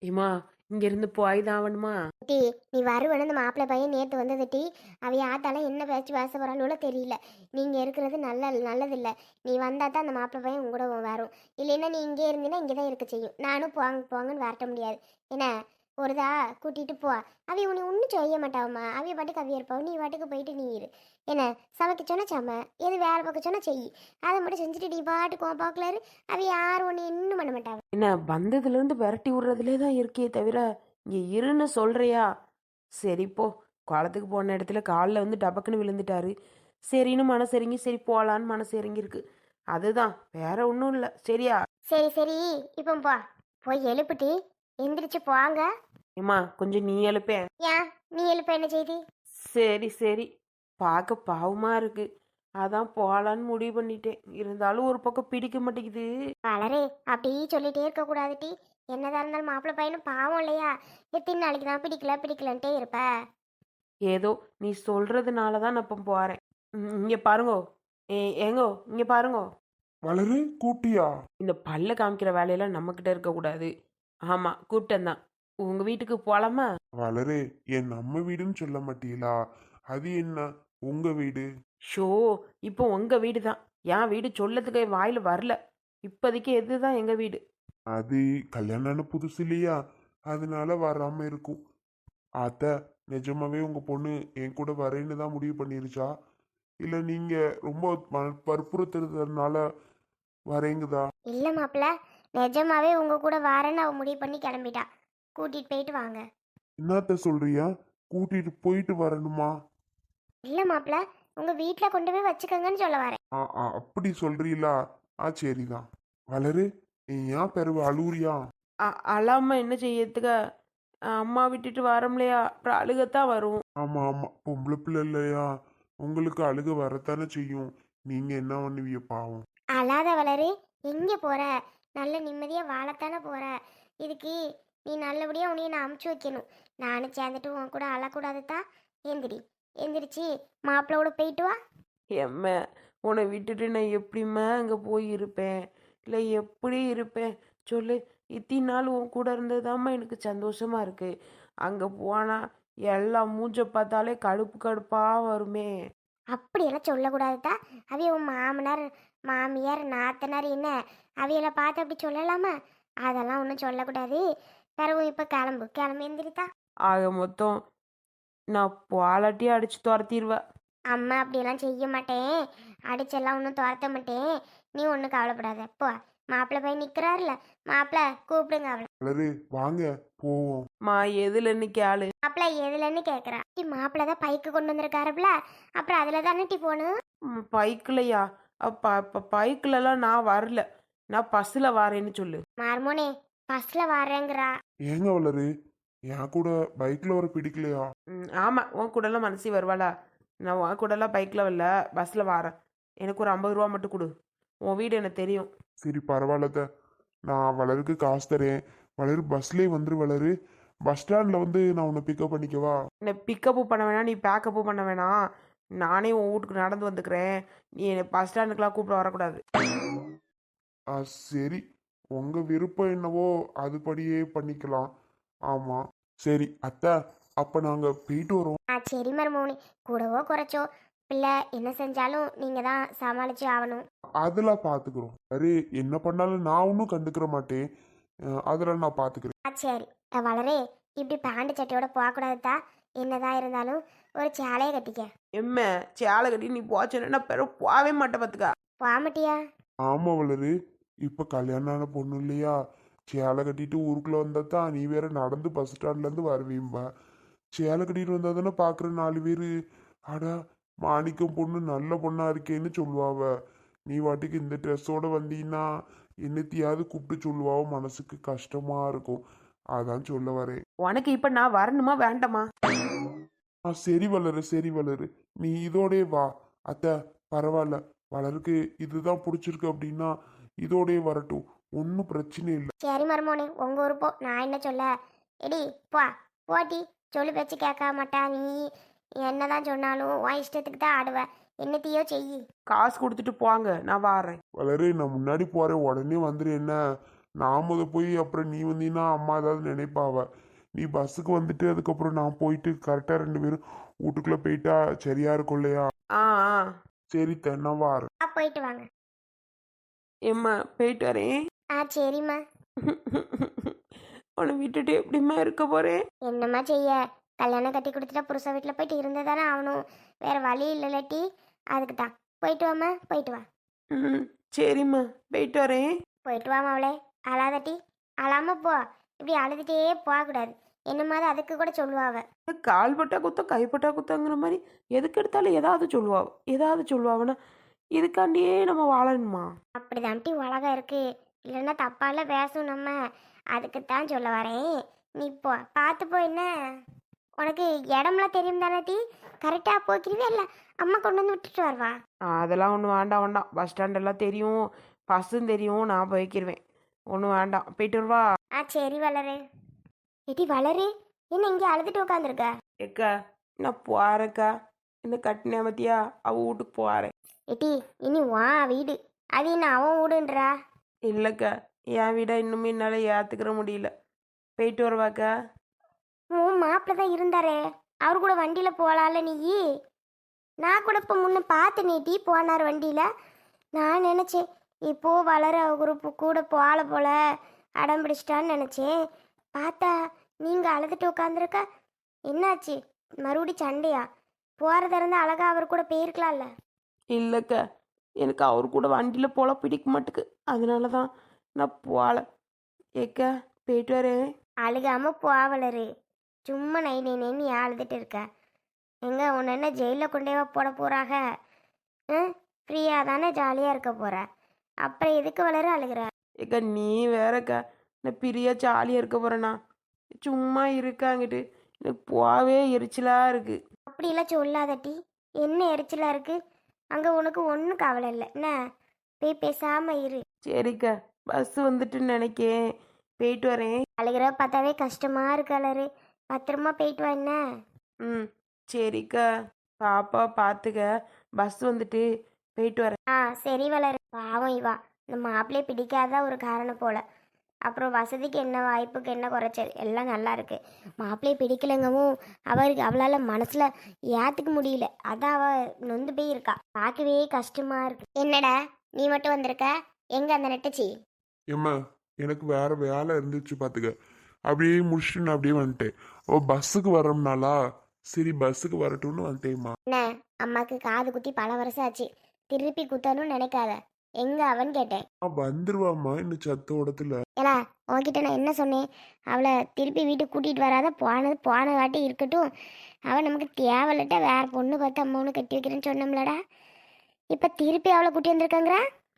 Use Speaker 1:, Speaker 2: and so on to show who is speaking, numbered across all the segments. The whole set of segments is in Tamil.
Speaker 1: ஏம்மா, இங்கேருந்து போய் தான் ஆகணுமா?
Speaker 2: டி நீ வருவன இந்த மாப்பிள்ளை பையன் நேற்று வந்தது டி. அவைய ஆத்தாலாம் என்ன பேச்சு பேச போறாளோ தெரியல. நீங்க இருக்கிறது நல்லதில்ல. நீ வந்தா தான் அந்த மாப்பிள்ளை பையன் உங்க கூட வரும். இல்லைன்னா நீ இங்கே இருந்தீன்னா இங்கே தான் இருக்க செய்யும். நானும் போங்க போங்கன்னு வரட்ட முடியாது. என்ன ஒருதா கூட்டிட்டு போ. அவைய உன்னை ஒன்றும் செய்ய மாட்டாவம்மா. அவைய பாட்டுக்கு அவைய இருப்பாவும், நீ பாட்டுக்கு போயிட்டு நீ இரு. என்ன சமைக்க சொன்னா சம, எது வேலை பார்க்க சொன்னா செய். அதை மட்டும் செஞ்சுட்டு நீ பாட்டுக்கு உன் பார்க்கலாரு. அவைய யாரும் ஒன்று இன்னும் பண்ண மாட்டாங்க.
Speaker 1: என்ன வந்ததுலேருந்து விரட்டி விடுறதுலே தான் இருக்கே தவிர இங்கே இருன்னு சொல்றியா? சரி போ. குளத்துக்கு போன இடத்துல காலில் வந்து டபக்குன்னு விழுந்துட்டாரு. சரின்னு மனசு இறங்கி சரி போகலான்னு மனசு இறங்கியிருக்கு. அதுதான், வேற ஒன்றும் இல்லை. சரியா?
Speaker 2: சரி சரி, இப்போ போ. போய் எழுப்புட்டி எந்திரிச்சு போங்க.
Speaker 1: ஏம்மா, கொஞ்சம் நீ எழுப்பேன்.
Speaker 2: ஏன் நீ எழுப்ப என்ன செய்தி?
Speaker 1: சரி சரி, பார்க்க பாவமாக இருக்கு. அதான் போகலான்னு முடிவு பண்ணிட்டேன். இருந்தாலும் ஒரு பக்கம் பிடிக்க மாட்டேங்குது.
Speaker 2: வளரே அப்படி சொல்லிட்டே இருக்க கூடாது டி. என்னதான் இருந்தாலும் மாப்பிள்ளை பையனும் பாவம் இல்லையா? எத்தனை நாளைக்கு தான் பிடிக்கலன்ட்டே இருப்ப.
Speaker 1: ஏதோ நீ சொல்றதுனால தான் நான் இப்போ போகிறேன். இங்கே பாருங்கோ. ஏங்கோ, இங்கே பாருங்கோ.
Speaker 3: வளரு கூட்டியா?
Speaker 1: இந்த பல்ல காமிக்கிற வேலையெல்லாம் நம்மக்கிட்ட இருக்கக்கூடாது. ஆமாம், கூப்பிட்டேன் தான். உங்கள் வீட்டுக்கு போகலாமா?
Speaker 3: வளரு, என் நம்ம வீடுன்னு சொல்ல மாட்டீங்களா? அது என்ன உங்க வீடு?
Speaker 1: ஷோ, இப்போ உங்கள் வீடு தான். என் வீடு சொல்லத்துக்கு வாயில் வரல. இப்போதைக்கு எதுதான் எங்கள் வீடு.
Speaker 3: அது கல்யாணம் புதுசு இல்லையா, அதனால வராம இருக்கும். அத்த, நிஜமாவே உங்க பொண்ணு என் கூட வரேன்னு தான் முடிவு பண்ணிருச்சா, இல்ல நீங்க ரொம்ப வற்புறுத்துறதுனால வரேங்குதா?
Speaker 2: இல்ல மாப்பிள்ள, நிஜமாவே உங்க கூட வாரேன்னு அவ முடிவு பண்ணி கிளம்பிட்டா. கூட்டிட்டு போயிட்டு வாங்க.
Speaker 3: என்னத்த சொல்றியா? கூட்டிட்டு போயிட்டு வரணுமா?
Speaker 2: இல்ல மாப்பிள்ள, உங்க வீட்டுல கொண்டு போய் வச்சுக்கோங்கன்னு சொல்ல வரேன்.
Speaker 3: அப்படி சொல்றீங்களா? சரிதான். வளரு, நீ ஏன் பெருவு அழுவுறியா?
Speaker 1: அழாம என்ன செய்யறதுக்க? அம்மா விட்டுட்டு வரோம்லையா, அப்புறம் அழுகத்தான் வரும்.
Speaker 3: ஆமா ஆமா, பொம்பளை பிள்ளை இல்லையா, உங்களுக்கு அழுக வரத்தானே செய்யும். நீங்க என்ன பண்ணுவீங்க பாவம்.
Speaker 2: அழாத வளரு. எங்க போற? நல்ல நிம்மதியா வாழத்தானே போற. இதுக்கு நீ நல்லபடியா உன்னைய நான் அமுச்சு வைக்கணும். நானும் சேர்ந்துட்டு உன் கூட அழக்கூடாது தான். எந்திரி, எந்திரிச்சு மாப்பிள்ளோட போயிட்டு வா.
Speaker 1: எம்ம, உன்னை விட்டுட்டு நான் எப்படிம்மா அங்கே போய் இருப்பேன்? இல்லை எப்படி இருப்பேன் சொல்லு. இத்தனை நாள் உன் கூட இருந்ததுதாம்மா எனக்கு சந்தோஷமா இருக்கு. அங்கே போனால் எல்லாம் மூஞ்ச பார்த்தாலே கடுப்பு கடுப்பாக வருமே.
Speaker 2: அப்படியெல்லாம் சொல்லக்கூடாது தான். அவைய உன் மாமனார் மாமியார் நாத்தனார் என்ன அவையெல்லாம் பார்த்து அப்படி சொல்லலாமா? அதெல்லாம் ஒன்றும் சொல்லக்கூடாது. பிறகு இப்போ கிளம்பு எந்திரித்தா.
Speaker 1: ஆக மொத்தம் நான் பாலாட்டி அடிச்சு துரத்திடுவேன்.
Speaker 2: அம்மா அப்படியெல்லாம் செய்ய மாட்டேன். அடிச்செல்லாம் ஒன்றும் துரத்த மாட்டேன். நீ ஒன்றும் கவலைப்படாத. போ. மாப்பிள்ளை போய் நிற்கிறாருல, மாப்பிள்ளை கூப்பிடுங்க அவளை.
Speaker 3: வளரு, வாங்க போவோம்.
Speaker 1: மா, எதுல இன்னைக்கு ஆளு?
Speaker 2: மாப்பிள்ளை எதுலன்னு கேட்குறா. மாப்பிள்ளை தான் பைக்கு கொண்டு வந்திருக்காருப்ல, அப்புறம் அதில் தானே டி போகணும்.
Speaker 1: பைக்கிலையா? அப்போ பைக்கிலலாம் நான் வரல. நான் பஸ்ஸில் வரேன்னு சொல்லு.
Speaker 2: மார்மோனே பஸ்ஸில் வரேங்கிறா.
Speaker 3: ஏங்க வளரு, என் கூட பைக்ல வர பிடிக்கலையா?
Speaker 1: ஆமாம், உன் கூடலாம் மனசி வருவாளா? நான் உன் கூடலாம் பைக்கில் வரல, பஸ்ஸில் வரேன். எனக்கு ஒரு 50 ரூபா மட்டும் கொடு. உன் வீடு எனக்கு தெரியும்.
Speaker 3: சரி பரவாயில்லத, நான் வளருக்கு காசு தரேன். வளரு பஸ்லயே வந்துரு. வளரு, பஸ் ஸ்டாண்ட்ல வந்து நான் உன்னை பிக்கப் பண்ணிக்கவா?
Speaker 1: என்னை பிக்கப்பு பண்ண வேணாம், நீ பேக்கப்பு பண்ண வேணாம். நானே உன் வீட்டுக்கு நடந்து வந்துக்கிறேன். நீ என்னை பஸ் ஸ்டாண்டுக்கெலாம் கூப்பிட வரக்கூடாது.
Speaker 3: சரி, உங்க விருப்பம் என்னவோ அதுபடியே பண்ணிக்கலாம். ஆமா, சரி அத்தை, அப்ப நாங்க போயிட்டு வரோம்.
Speaker 2: சரி மருமோனே, கூடவோ குறைச்சோ பிள்ளை என்ன செஞ்சாலும் நீங்கள் தான் சமாளித்து ஆகணும்.
Speaker 3: அதெல்லாம் பாத்துக்கிறோம். சரி, என்ன பண்ணாலும் நான் ஒன்றும் கண்டுக்கிற மாட்டேன். அதெல்லாம் நான் பாத்துக்கிறேன்.
Speaker 2: சரி. வளரே, இப்படி பேண்ட் சட்டையோட போகக்கூடாது தான். என்னதான் இருந்தாலும் ஒரு சேலையை கட்டிக்க.
Speaker 1: எம்ம, சேலை கட்டி நீ போச்சுன்னா நான் பிறகு போகவே மாட்டேன் பார்த்துக்கா.
Speaker 2: போகமாட்டியா?
Speaker 3: ஆமா வளரு, இப்ப கல்யாணம் ஆன பொண்ணு இல்லையா, சேலை கட்டிட்டு ஊருக்குள்ள வந்தா தான் நீ வேற நடந்து பஸ் ஸ்டாண்ட்ல இருந்து வருவீம்பா. சேலை கட்டிட்டு வந்தா தானே பாக்குற 4 பேரு, அடா மாணிக்கம் பொண்ணு நல்ல பொண்ணா இருக்கேன்னு சொல்லுவாவ. நீ வாட்டிக்கு இந்த ட்ரெஸ்ஸோட வந்தீங்கன்னா என்னத்தையாவது கூப்பிட்டு சொல்லுவாவ, மனசுக்கு கஷ்டமா இருக்கும். அதான் சொல்ல வரேன்.
Speaker 1: உனக்கு இப்போ நான் வரணுமா வேண்டாமா?
Speaker 3: சரி வளரு, சரி வளரு, நீ இதோடே வா. அத்தை, பரவாயில்ல, வளருக்கு இதுதான் பிடிச்சிருக்கு அப்படின்னா இதோடே வரட்டும், ஒன்றும் பிரச்சனை இல்லை.
Speaker 2: சரி மருமோனே, உங்கள் ஊர் போ. நான் என்ன சொல்ல? எடி போ. போட்டி சொல்லு பேச்சு கேட்க மாட்டா நீ. என்னதான் சொன்னாலும் உன் இஷ்டத்துக்கு தான் ஆடுவ. என்னத்தையோ செய்.
Speaker 1: காசு கொடுத்துட்டு போங்க, நான் வாரேன்.
Speaker 3: வளரு, நான் முன்னாடி போறேன், உடனே வந்துரு என்ன. நான் முத போய் அப்புறம் நீ வந்தீங்கன்னா அம்மா ஏதாவது நினைப்பாவ. நீ பஸ்ஸுக்கு வந்துட்டு அதுக்கப்புறம் நான் போயிட்டு கரெக்டாக 2 பேரும் வீட்டுக்குள்ளே போயிட்டா சரியா இருக்கும் இல்லையா?
Speaker 1: ஆ ஆ.
Speaker 3: சரி நான் வாரேன்.
Speaker 2: போயிட்டு வாங்க.
Speaker 1: ஏம்மா போயிட்டு வரேன்.
Speaker 2: சரிம்மா.
Speaker 1: உன்னை விட்டுட்டு எப்படிம்மா இருக்க போகிறேன்?
Speaker 2: என்னம்மா செய்ய, கல்யாணம் கட்டி கொடுத்துட்டா புருஷன் வீட்டில் போயிட்டு இருந்தே தானே ஆகணும். வேற வழி இல்லைட்டி. அதுக்கு தான். போயிட்டு வாம்மா, போயிட்டு வா.
Speaker 1: ம் சரிம்மா போயிட்டு வரேன்.
Speaker 2: போயிட்டு வாமா அவளே. அழாதட்டி. அழாம போ. இப்படி அழுதுகிட்டே போகக்கூடாது. என்ன மாதிரி அதுக்கு கூட சொல்லுவாவ.
Speaker 1: கால் பட்டா குத்தம் கைப்பட்டா குத்தங்கிற மாதிரி எதுக்கு எடுத்தாலும் ஏதாவது சொல்லுவாவனா இதுக்காண்டியே நம்ம வாழணுமா?
Speaker 2: அப்படிதான்ட்டி உலகம் இருக்கு. இல்லைன்னா தப்பால பேசும் நம்ம. அதுக்குத்தான் சொல்ல வரேன். நீ போ, பார்த்து போ. என்ன உனக்கு இடம்லாம் தெரியும் தானே டி? கரெக்டாக போய்க்கிறீவே இல்லை அம்மா கொண்டு வந்து விட்டுட்டு வருவா.
Speaker 1: அதெல்லாம் ஒன்றும் வேண்டாம். பஸ் ஸ்டாண்டெல்லாம் தெரியும், பஸ்ஸும் தெரியும், நான் போய்க்கிருவேன். ஒன்றும் வேண்டாம், போயிட்டு வருவா.
Speaker 2: சரி வளரு. ஏட்டி வளரு, என்ன இங்கே அழுதுட்டு உட்காந்துருக்க?
Speaker 1: ஏக்கா நான் போகிறேக்கா. இந்த கட்டின மத்தியா அவள் வீட்டுக்கு போகிறேன்.
Speaker 2: ஏட்டி இனி வா வீடு. அது என்ன அவன் வீடுன்றா?
Speaker 1: இல்லைக்கா, என் வீடை இன்னுமே என்னால் ஏற்றுக்கிற முடியல. போயிட்டு வருவாக்கா.
Speaker 2: உன் மாப்பிள்ள தான் இருந்தாரே, அவர் கூட வண்டியில் போகலாம்ல நீ? நான் கூட இப்போ முன்ன பார்த்து நீட்டி போனார் வண்டியில். நான் நினச்சேன் இப்போ வளர குரூப்பு கூட போகல போல அடம் பிடிச்சிட்டான்னு நினச்சேன். பார்த்தா நீங்கள் அழுதுட்டு உட்காந்துருக்க. என்னாச்சு, மறுபடி சண்டையா? போகிறதா இருந்தால் அழகா அவர் கூட போயிருக்கலாம்ல.
Speaker 1: இல்லைக்கா, எனக்கு அவர் கூட வண்டியில் போல பிடிக்க மாட்டுக்கு, அதனால தான் நான் போகல. ஏக்கா போயிட்டு வரேன்.
Speaker 2: அழுகாமல் போவலரு. சும்மா நை நை நைன்னு ஏன் அழுதுட்டு இருக்க? எங்க உன்னை என்ன ஜெயிலில் கொண்டேவா போட போகிறாங்க? ஃப்ரீயாக தானே ஜாலியாக இருக்க போகிற. அப்புறம் எதுக்கு வளர அழுகிற?
Speaker 1: ஏக்கா நீ வேறக்கா, நான் பிரியா ஜாலியாக இருக்க போகிறேண்ணா. சும்மா இருக்காங்கிட்டு எனக்கு போவே எரிச்சலாக இருக்குது.
Speaker 2: அப்படிலாம் சொல்லாதட்டி. என்ன எரிச்சலாக இருக்கு? அங்கே உனக்கு ஒன்றும் கவலை இல்லை என்ன? போய் பேசாமல் இரு.
Speaker 1: சரிக்கா, பஸ் வந்துட்டுன்னு நினைக்கேன், போயிட்டு வரேன்.
Speaker 2: அழுகிற பார்த்தாவே கஷ்டமாக இருக்கு அலரு. பத்திரமா போயிட்டு வா என்ன?
Speaker 1: ம் சரிக்கா, பாப்பா பார்த்துக்க. பஸ் வந்துட்டு போயிட்டு வரேன்.
Speaker 2: சரி வளரு. பாவம் இவா, இந்த மாப்பிள்ளையே பிடிக்காத ஒரு காரணம் போல. அப்புறம் வசதிக்கு என்ன, வாய்ப்புக்கு என்ன குறைச்சல், எல்லாம் நல்லா இருக்கு. மாப்பிள்ளையை பிடிக்கலங்கவும் அவளால் மனசில் ஏற்றுக்க முடியல. அதான் அவள் நொந்து போய் இருக்கா. பார்க்கவே கஷ்டமா இருக்கு. என்னடா நீ மட்டும் வந்திருக்க? எங்க அந்த நெட்டச்சி?
Speaker 3: ஏம்மா எனக்கு வேற வேலை இருந்துச்சு பார்த்துக்க. அப்படியே முடிச்சுட்டு நான் அப்படியே வந்துட்டேன். பஸ்ஸுக்கு வரோம்னாலா, சரி பஸ்ஸுக்கு வரட்டும்னு வந்துட்டேம்மா.
Speaker 2: என்ன அம்மாக்கு காது குத்தி பல வருஷம் ஆச்சு, திருப்பி குத்தணும்னு நினைக்காத. எங்க அவன் கேட்டேன்.
Speaker 3: வந்துருவாம்மா இன்னும் சத்தோடத்துல.
Speaker 2: ஏலா உன்கிட்ட நான் என்ன சொன்னேன்? அவளை திருப்பி வீட்டுக்கு கூட்டிகிட்டு வராத. போன வாட்டி இருக்கட்டும். அவள் நமக்கு தேவையில்லட்ட வேற பொண்ணு பார்த்து அம்மா ஒன்று கட்டி வைக்கிறேன்னு சொன்னோம்லடா. இப்போ திருப்பி அவளை கூட்டி வந்திருக்காங்கிறா.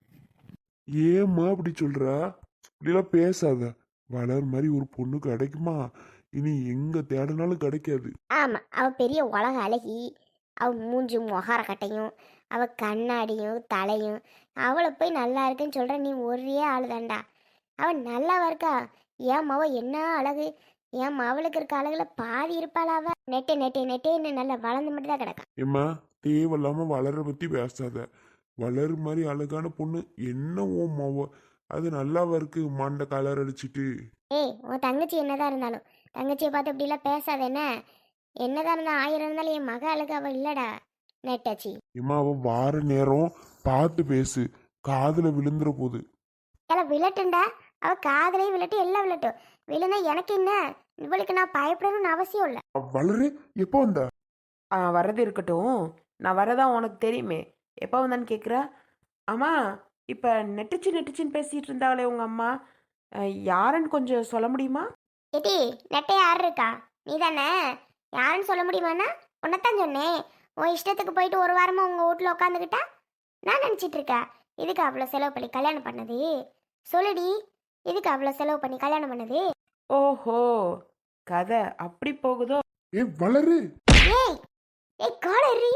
Speaker 3: ஏம்மா அப்படி சொல்றா? இப்படிலாம் பேசாத. வளர் மாதிரி ஒரு பொண்ணு கிடைக்குமா? இனி எங்க தேடினாலும் கிடைக்காது.
Speaker 2: ஆமாம், அவள் பெரிய உலக அழகி. அவள் மூஞ்சி முகார கட்டையும், அவள் கண்ணாடியும் தலையும். அவளை போய் நல்லா இருக்குன்னு சொல்கிற நீ ஒரே ஆள் தான்டா. அவள் நல்லாவா இருக்கா? ஏன் மாவ என்ன அழகு! ஏன் அவளுக்கு இருக்க அழகுல பாதி இருப்பாளா? அவ நெட்டே நெட்டே நெட்டேன்னு நல்லா வளர்ந்து மட்டும் தான் கிடக்கா.
Speaker 3: ஏம்மா தேவையில்லாம வளர பத்தி பேசாத. வளர் மாதிரி அழகான பொண்ணு என்ன ஓமாவோ, அது நல்லாவா இருக்கு மண்டை கலர் அடிச்சிட்டு.
Speaker 2: ஏய், உன் தங்கச்சி என்னதான் இருந்தாலும் தங்கச்சியை பார்த்து இப்படிலாம் பேசாத என்ன? என்னதான் இருந்தா 1000 இருந்தாலும் என் மக அழகு அவள் இல்லடா நெட்டாச்சி.
Speaker 3: ஏம்மா அவ வார நேரம் பார்த்து பேசு, காதுல விழுந்துற போகுது.
Speaker 2: எல்லாம் விழட்டுண்டா. அவள் காதலே விழட்டு, எல்லாம் விழட்டும். விழுந்தா எனக்கு என்ன? இவளுக்கு நான் பயப்படணும்னு அவசியம் இல்லை.
Speaker 3: வளரு எப்போ வந்த?
Speaker 1: வர்றது இருக்கட்டும், நான் வரதான் உனக்கு தெரியுமே. எப்போ வந்தான்னு கேட்குற? ஆமாம், இப்போ நெட்டுச்சின்னு பேசிகிட்டு இருந்தாங்களே உங்கள் அம்மா, யாருன்னு கொஞ்சம் சொல்ல முடியுமா?
Speaker 2: ஏட்டி நெட்டை யார் இருக்கா? நீ தானே? யாருன்னு சொல்ல முடியுமாண்ணா? உன்னைத்தான் சொன்னேன். உன் இஷ்டத்துக்கு போயிட்டு ஒரு வாரமாக உங்கள் வீட்டில் உட்காந்துக்கிட்டா நான் நினச்சிட்டு இருக்கேன். இதுக்கு அவ்வளோ செலவு பண்ணி கல்யாணம் பண்ணது? சொல்லுடி, இதுக்கு அவ்வளோ செலவு பண்ணி கல்யாணம் பண்ணது?
Speaker 1: ஓஹோ, கதை அப்படி போகுதோ?
Speaker 3: ஏ வளரு.
Speaker 2: ஏய் ஏய் காலரி.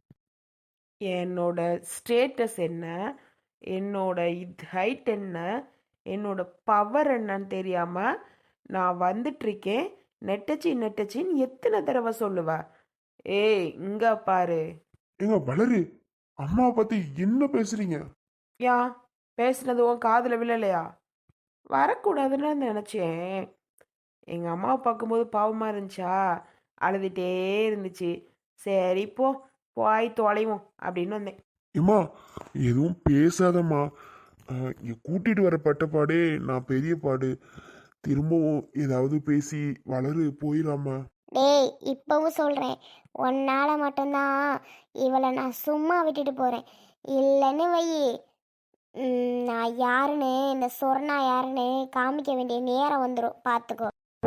Speaker 1: என்னோட ஸ்டேட்டஸ் என்ன, என்னோட ஹைட் என்ன, என்னோட பவர் என்னன்னு தெரியாமல் நான் வந்துட்டுருக்கேன். நெட்டச்சின்னு எத்தனை தடவை சொல்லுவ? ஏய் இங்க பாரு.
Speaker 3: ஏங்க வளரு, அம்மாவை பத்தி என்ன பேசுறீங்க?
Speaker 1: யா பேசுனது உன் காதில் விழலையா? வரக்கூடாதுன்னு நினச்சேன். எங்கள் அம்மாவை பார்க்கும்போது பாவமாக இருந்துச்சா, அழுதுகிட்டே இருந்துச்சு. சரி போ, போய் தொலைவோம் அப்படின்னு வந்தேன்.
Speaker 3: ஏம்மா எதுவும் பேசாதம்மா. கூட்டிட்டு வர பட்டப்பாடே நான் பெரிய பாடு. திரும்பவும் ஏதாவது பேசி வளரு போயிடாமா.
Speaker 2: டேய் இப்பவும் சொல்கிறேன், உன்னால் மட்டும்தான் இவளை நான் சும்மா விட்டுட்டு போகிறேன். இல்லைன்னு வை, நான் யாருன்னு, இந்த சொர்ணா யாருன்னு காமிக்க வேண்டிய நேரம் வந்துடும், பார்த்துக்கோ.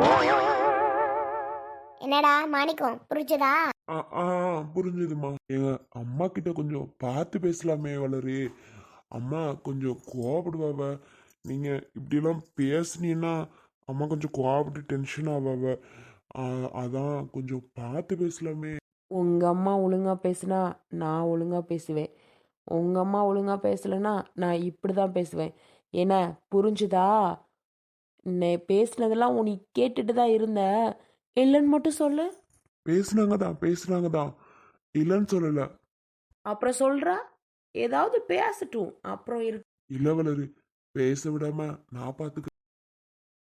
Speaker 2: என்னடா மாணிக்கம், புரிச்சுதா?
Speaker 3: ஆ ஆ புரிஞ்சுதுமா. எங்க அம்மா கிட்ட கொஞ்சம் பார்த்து பேசலாமே வளரு. அம்மா கொஞ்சம் கோவப்படுவாவ. நீங்க இப்படிலாம் பேசுனீங்கன்னா அம்மா கொஞ்சம் கோவப்பட்டு டென்ஷன் ஆவாவ. அதான் கொஞ்சம் பார்த்து பேசலாமே.
Speaker 1: உங்கள் அம்மா ஒழுங்காக பேசுனா நான் ஒழுங்காக பேசுவேன். உங்கள் அம்மா ஒழுங்காக பேசலைன்னா நான் இப்படி தான் பேசுவேன். என்ன புரிஞ்சுதா? பேசுனதெல்லாம் நீ கேட்டுட்டு தான் இருந்த, இல்லைன்னு மட்டும் சொல்லு.
Speaker 3: பேசுனாங்க தான் இல்லைன்னு சொல்லல.
Speaker 1: அப்புறம் சொல்கிறா, ஏதாவது பேசட்டும், அப்புறம் இருக்கு.
Speaker 3: இல்ல வளரு, பேச விடாம நான் பார்த்துக்க.